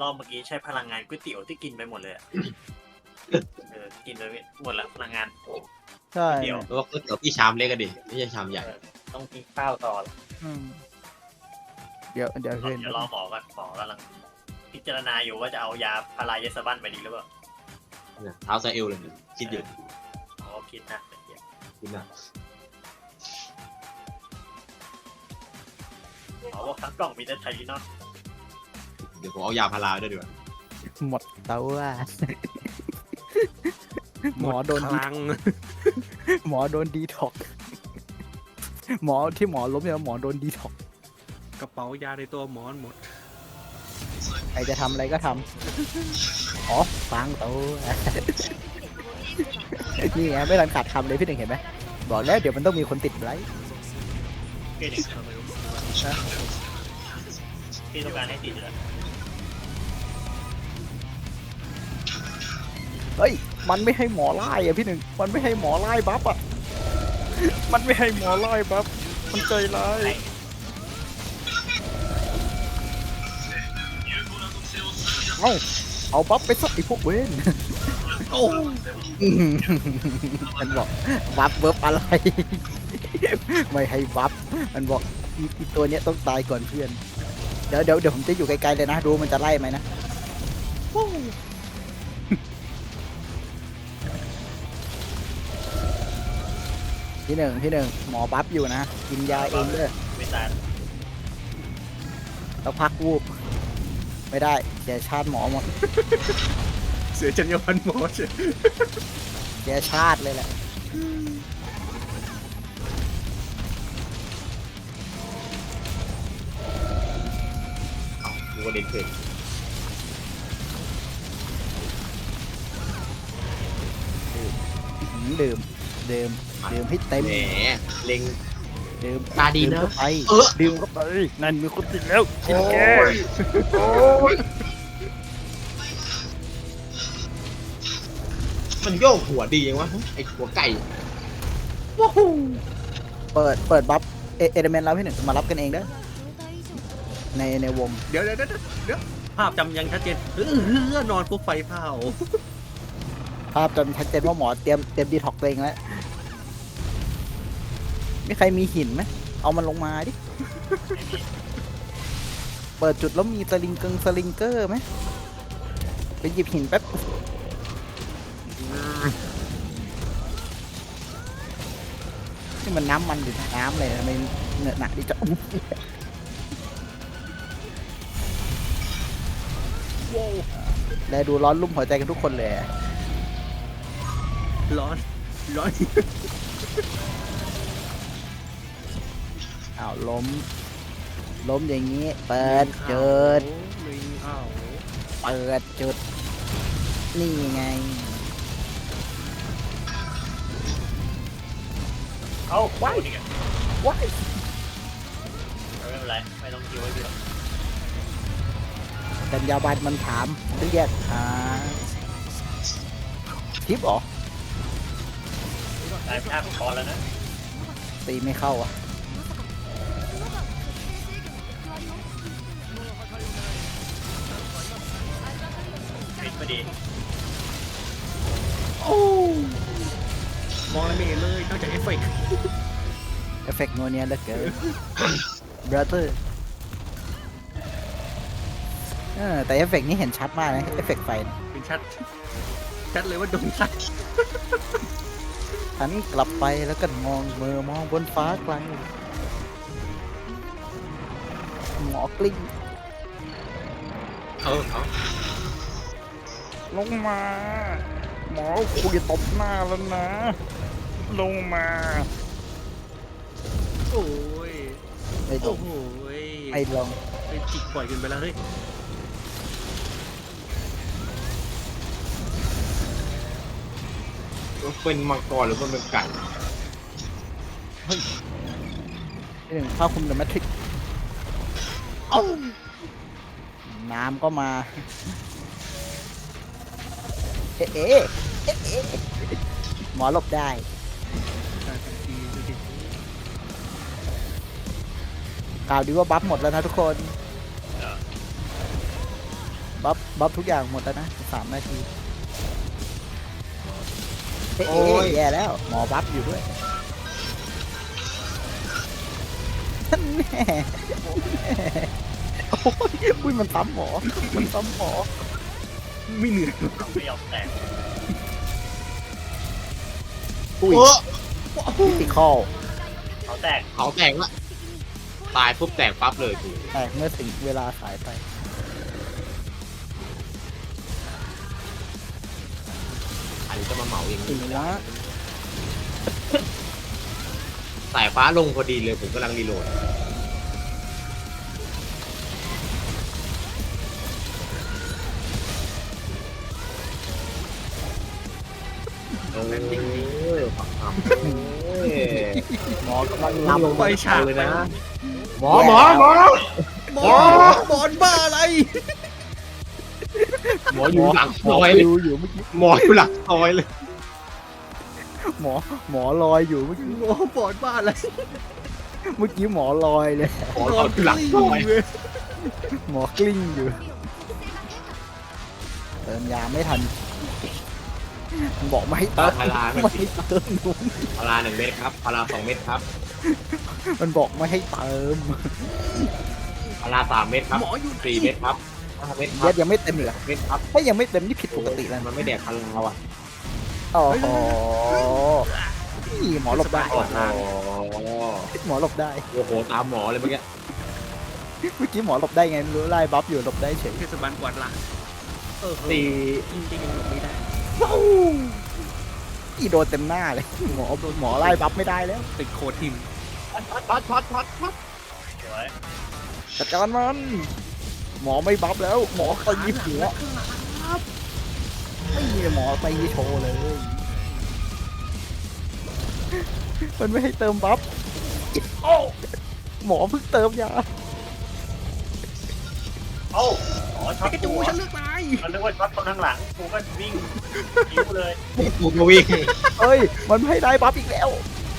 รอบเมื่อกี้ใช้พลังงานก๋วยเตี๋ยวที่กินไปหมดเลยกินไปหมดละพลังงานใช่เดี๋ยวเพราะว่าก๋วยเตี๋ยวพี่ชามเล็กกันดิไม่ใช่ชามใหญ่ต้องกินข้าวต่ออืมเดี๋ยวเห็นเดี๋ยวรอหมอก่อนหมอกำลังพิจารณาอยู่ว่าจะเอายาพารายาสบันไปดีหรือเปล่าเนี่ยเท้าไซเอลเลยเนี่ยคิดอยู่อ๋อคิดนะเดี๋ยวคิดนะหมอบอกทั้งกล่องมีแต่ไทลินอนเดี๋ยวผมเอายาพาราด้วยดีกว่าหมดเตาว่าหมอโดนคลังหมอโดนดีท็อกหมอที่หมอล้มเนี่ยหมอโดนดีท็อกกระเป๋ายาในตัวหมอนหมดใครจะทำอะไรก็ทำอ๋อฟังเตานี่ไงไม่ทันขาดคำเลยพี่หนึ่งเห็นไหมบอกแล้วเดี๋ยวมันต้องมีคนติดไลค์เกณฑ์อย่างนั้นพี่ต้องการให้ติดเลยเฮ้ยมันไม่ให้หมอไล่อะพี่หนึ่งมันไม่ให้หมอไล่บัฟอะมันไม่ให้หมอไล่บัฟมันใจร้ายเอาบัฟไปสักไอพวกเว้นโอ้มันบอกบัฟเบิร์ฟอะไร ไม่ให้บัฟมันบอกอีตัวเนี้ยต้องตายก่อนเพื่อนเดี๋ยวผมจะอยู่ไกลๆเลยนะดูมันจะไล่ไหมนะพี่หนึ่งหมอบัฟอยู่นะกินยาเองเลยไม่ตายแล้วพักวูบไม่ได้แกชาติหมอหมดเสียจรรยาบรรณหมอเฉยแกชาติเลยแหละดูว่าเด็กเกิดดื่มให้เต็มแหมเล็งดื่มตาดีนะเข้าไปเออดื่มเข้าไปนั่นมีคนติดแล้วกินแกมันโยกหัวดียังวะไอหัวไก่เปิดบัฟเอเดเมนต์แล้วพี่หนึ่งมารับกันเองเด้อในวงเดี๋ยวภาพจำยังชัดเจนนอนปุ๊บไฟเผาภาพจนชัดเจนว่าหมอเตรียมดีท็อกตัวเองแล้วมีใครมีหินไหมเอามันลงมาดิ เปิดจุดแล้วมีสลิงเกอร์ไหมไปหยิบหินแป๊บนี่มันน้ำมันหรือน้ำเลยทำไมเหนอะหนักดิจะและดูร้อนรุ่มหัวใจกันทุกคนเลยร้อนอ้าวล้มอย่างนี้ เปิดจุดลิงอ้าวเปิดจุด นี่ไงเอาว้ายนี่ไงว้ายไม่เป็นไรไม่ต้องคิวไว้เดียวจัญญาบันมันถามเรียกทิปเหรอตายภาพพอแล้วนะตีไม่เข้าอ่ะปิดพอดีมองอะไรไม่เห็นเลยนอกจากเอฟเฟกต์เอฟเฟกต์โนเนียเหลือเกิน brother แต่เอฟเฟกต์นี้เห็นชัดมากนะเอฟเฟกต์ไฟนะเป็นชัดเลยว่าโดนซัดหันกลับไปแล้วก็มองบนฟ้าไกลหมอกลิ้งเอาลงมา หมอคุยตบหน้าแล้วนะ ลงมาโอ้ยไม่ลโอ้งโหไม่ลงไปจิกปล่อยกันไปแล้วเฮ้ยเป็นมังกรหรือมันเป็นไก่ที่หนึ่งผ้าคลุมเดอะแมทริกน้ำก็มา เอ๊ะหมอหลบได้กล่าวดีว่าบัฟหมดแล้วนะทุกคนบัฟทุกอย่างหมดแล้วนะ3 นาทีเอ๊ะแย่แล้วหมอบัฟอยู่ด้วยแน่โอ้ยอุ้ยมันซ้ำหมอไม่เหนื่อยไม่ยอมแตกอุ้ยเออพิติคอลเขาแตกเขาแตกละตายปุ๊บแตกปั๊บเลยกูแตกเมื่อถึงเวลาสายไปอันนี้จะมาเหมาเองถึงแล้วสายฟ้าลงพอดีเลยผมกำลังรีโหลดปักคำหมอกำลังลำลำไปฉากเลยไปนะหมอหมอบอลบ้าอะไรหมออยู่หลังหมซออยปเลยลิวอยู่เมื่อกี้หมออยู่หลังซอยเลยหมอลอยอยู่เมื่อกี้โอ้บอลบ้าอะไรเมื่อกี้หมอลอยเลยหมออยู่หลังซอยหมอกลิ้งอยู่เติมยาไม่ทันมันบอกไม่ให้เติมพาราไม่ให้เติมหนุ่มพารา1 เม็ดครับพารา2 เม็ดครับมันบอกไม่ให้เติมพารา3 เม็ดครับหมออยู่ 4 เม็ดครับ5 เม็ดคยัรัดบยังไม่เต็มอีกเหรอเม็ดครับถ้ายังไม่เต็มนี่ผิดปกติแล้วมันไม่แดกพาราอ่ะโอ้โหนี่หมอหลบได้โอ้โหหมอหลบได้โอ้โหตามหมอเลยเมื่อกี้เมื่อกี้หมอหลบได้ไงไม่รู้ไล่บัฟอยู่หลบได้เฉยเทศบาลกวาดล้างตีตีจริงๆยังหลบไม่ได้อีโดนเต็มหน้าเลยหมอไล่บัฟไม่ได้แล้วติดโคทิมช็อตสวยจัดการมันหมอไม่บัฟแล้ว หมอตีหัวไม่มีหมอตีโชว์เลยมันไม่ให้เติมบัฟโอ้หมอเพิ่งเติมยาโอ้อ๋อช็อตไอ้ตัจูวฉันเลือกนายมันนึกว่าช็อตคนข้างหลังกูก็วิ่งคิ้วเลยกูก็วิ่งเอ้ยมันไม่ให้ได้บัฟอีกแล้ว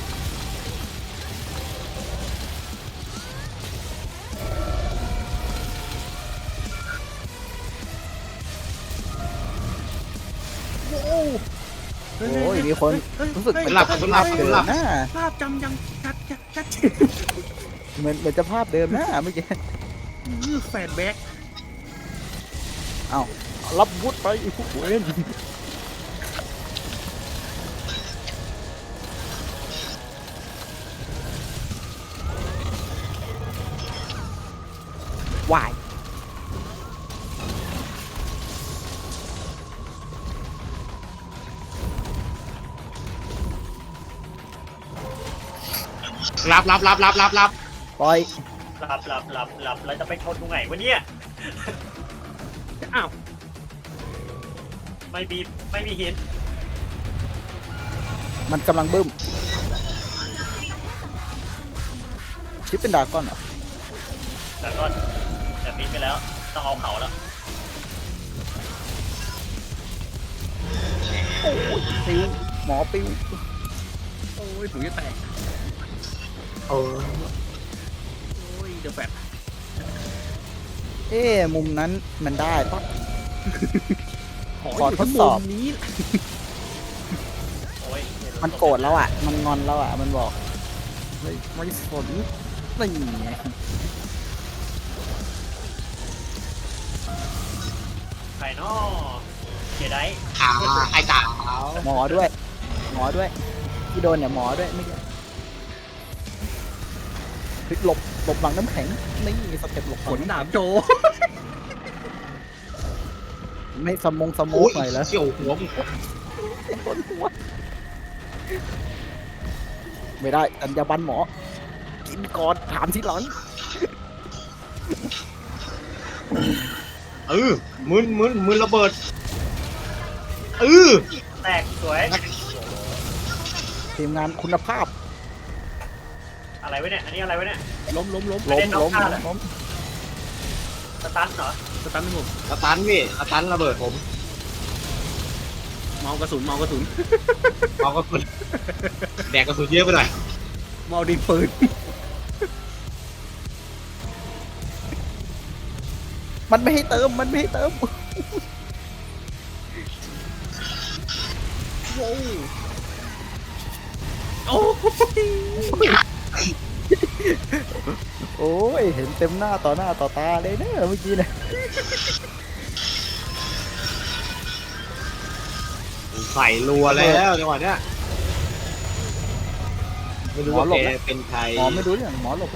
โอ้ยมีคนรู้สึกเหมือนหลับจะหลับเดิหมลับนะภาพจำยังชัดเหมือนจะภาพเดิมนะเมื่อกี้แฟนแบ็กรับวุธไปไอ้พวกเวนวายรับปล่อยหลับแล้วจะไปชนตรงไหนวะเนี่ยอ้าวไม่มีหินมันกำลังบึ้มชิปเป็นดราก้อนเหรอแต่ก็แต่ปีนไปแล้วต้องเอาเขาแล้วโอ้ยปิวหมอปิวโอ้ยผมจะแตกโอ้โอ้ยเดี๋ยวแฟดเอ๊ะมุมนั้นมันได้ปะ ขออยู่ทดที่สอบมุมนี้โอ้ยมันโกรธแล้วอ่ะ มันงอนแล้วอ่ะ มันบอกไม่สนนี่ไงใครนอเจไดขาไอ้ตาหมอด้วย ที่โดนเนี่ยหมอด้วยไม่ใช่หลบหลังน้ำแข็งนี่สเต็ปหลบขนดาบโจไม่สมองโอ้ยหน่อยแล้วเชี่ยวหัวมึงโดนหัวไม่ได้อัญญาบันหมอ กินก่อนถามทีหลังมึนระเบิดแตกสวยทีมงานคุณภาพอะไรวะเนี่ยอันนี้อะไรวะเนี่ยล้มล้มสตันเหรอสตันผมสตันพี่สตันระเบิดผมเมากระสุนเอากระสุนแดกกระสุนเยอะไปหน่อยเมาดินปืนมันไม่ให้เติมมันไม่ให้เติมโว้วโอ้ยโอ้ยเห็นเต็มหน้าต่อหน้าต่อตาเลยนะเมื่อกี้นะใส่รัวแล้วจังหวะเนี้ยไม่รู้ว่าแกเป็นใครหมอไม่รู้เรื่องหมอหลบแล้ว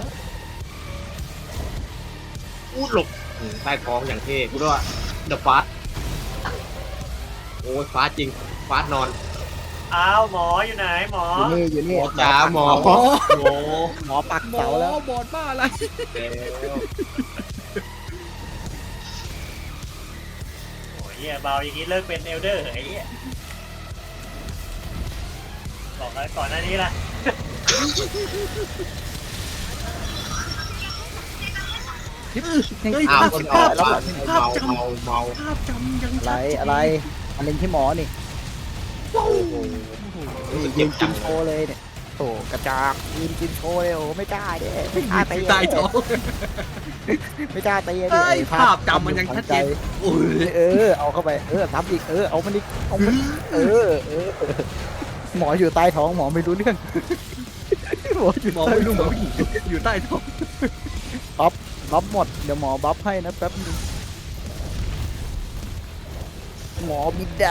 อูดหลบใต้ท้องอย่างเท่กูด้วยเดอะฟาสโอ้ยฟาสจริงฟาสนอนอ้าวหมออยู่ไหนหมออยู่นี่หมอจ๋าหมอหมอปักหมอเสาแล้วบอดบ้าอะไรแล้วโอ้ยเหี้ยเบาอย่างนี้เลิกเป็นเอลเดอร์เหรอไอ้เหี้ยบอกอะไรก่อนหน้านี้ล่ะเฮ้ยอ้าวภาพคนอภาอกพแล้วภาพเมาจำเมาเมาภาพจำยังอะไรชัดเจนอะไรมาเล่นที่หมอนี่ว้าวรู้สึกยืเจ็บนจักิงนโชว์เลยเนี่ยโอ้กระจอกยืนกินโชว์เลยโอ้ไม่กล้าเด้ไม่กล้าตีใต้ท้องไม่กล้าตีเฮ้ยภาพจำมันยังชัดเจนโอ้ยเอาเข้าไปซ้ำอีกเอามันอีกเอามันหมออยู่ใต้ท้องหมอไม่รู้เรื่องหมออยู่หมอไม่รู้หมอผู้หญิงอยู่ใต้ท้องบัฟหมดเดี๋ยวหมอบัฟให้นะแป๊บนึงหมอบินได้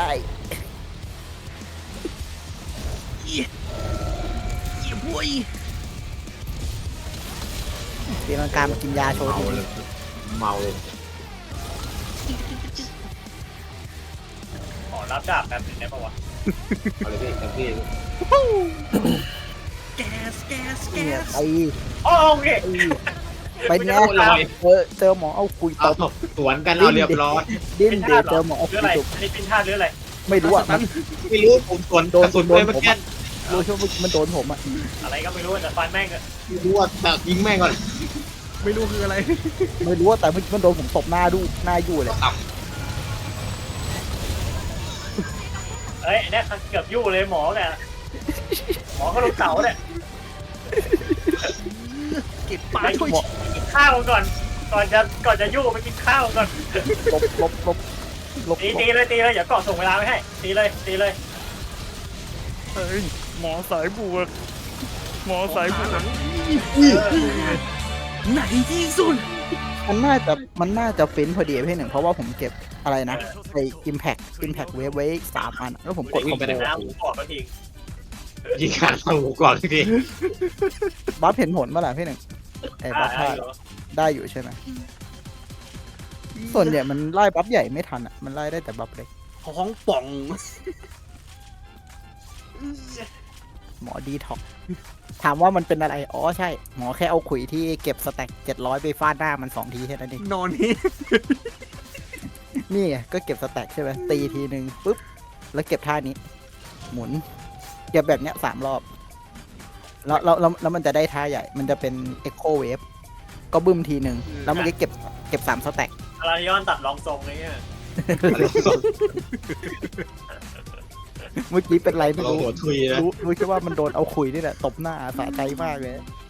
เยี่ยมเว้ยตีลังกามากินยาโชว์เมาทีเลยเมาเลยขอรับดาบแบบนึงได้ปะวะเอาเลยพี่เต็มที่แก๊สแก๊สแก๊เนี่ยสตีโอเคไปไงโอ้ลอยเจอหมอเอาคุยตเอาบสวนกันเอาเรียบร้อยดิ้นเป็นเดี๋ธายวตุเหรเจออหมอเอาหรือคุอะไรยตบอันนี้เป็นธาตุหรืออะไรไม่รู้อ่ะมันไม่รู้ผมสวนโดนกระสุนโดไปนเมื่อผมกี้อะ รู้ใช่ไหมมันโดนผมอ่ะอะไรก็ไม่รู้แต่ฟันแม่งก็ไม่รู้ว่าแต่ยิงแม่งก่อนไม่รู้คืออะไรไม่รู้ว่าแต่มันโดนผมตบหน้ายู่เลยต่เอ้ยเนี่ยเกือบยู่เลยหมอเนี่ยหมอก็ลงเสาเนี่ยเก็บปลาไปช่วยกินข้าวก่อนก่อนจะยู่ไปกินข้าวก่อนลบตีเลยอย่าเกาะส่งเวลาไม่ให้ตีเลยเฮ้ยหมอสายบวกหมอสายบวกไหนที่สุดมันน่าจะฟินพอดีพี่หนึ่งเพราะว่าผมเก็บอะไรนะไอ้ impact wave ไว้3 อันแล้วผมกดผมเป็นน้ำผมบอกก็ทีำยิงขาดเข้าหูก่อนทีบัฟเห็นผลเมื่อไหร่พี่หนึ่งไอ้บัฟพลาดได้อยู่ใช่ไหมส่วนใหญ่มันไล่บัฟใหญ่ไม่ทันอ่ะมันไล่ได้แต่บัฟเล็กท้องป่องหมอดีท็อกถามว่ามันเป็นอะไรอ๋อใช่หมอแค่เอาขุยที่เก็บสแต็ก700ไปฟาดหน้ามัน2 ทีแค่นั้นเองนอนนี่นี่ไงก็เก็บสแต็กใช่ไหมตีทีนึงปุ๊บแล้วเก็บท่านี้ หมุน เก็บแบบเนี้ย3 รอบแล้วมันจะได้ท่าใหญ่ มันจะเป็น Echo Wave ก็บึ้มทีนึงแล้วมันก็เก็บ3 สแต็กอาราลิออนตัดรองทรงเลยเนี่ยเมื่อกี้เป็นไรไม่เรารู้หัวทุยนะรู้แค่ว่ามันโดนเอาขุยนี่แหละตบหน้าสะใจมากเลย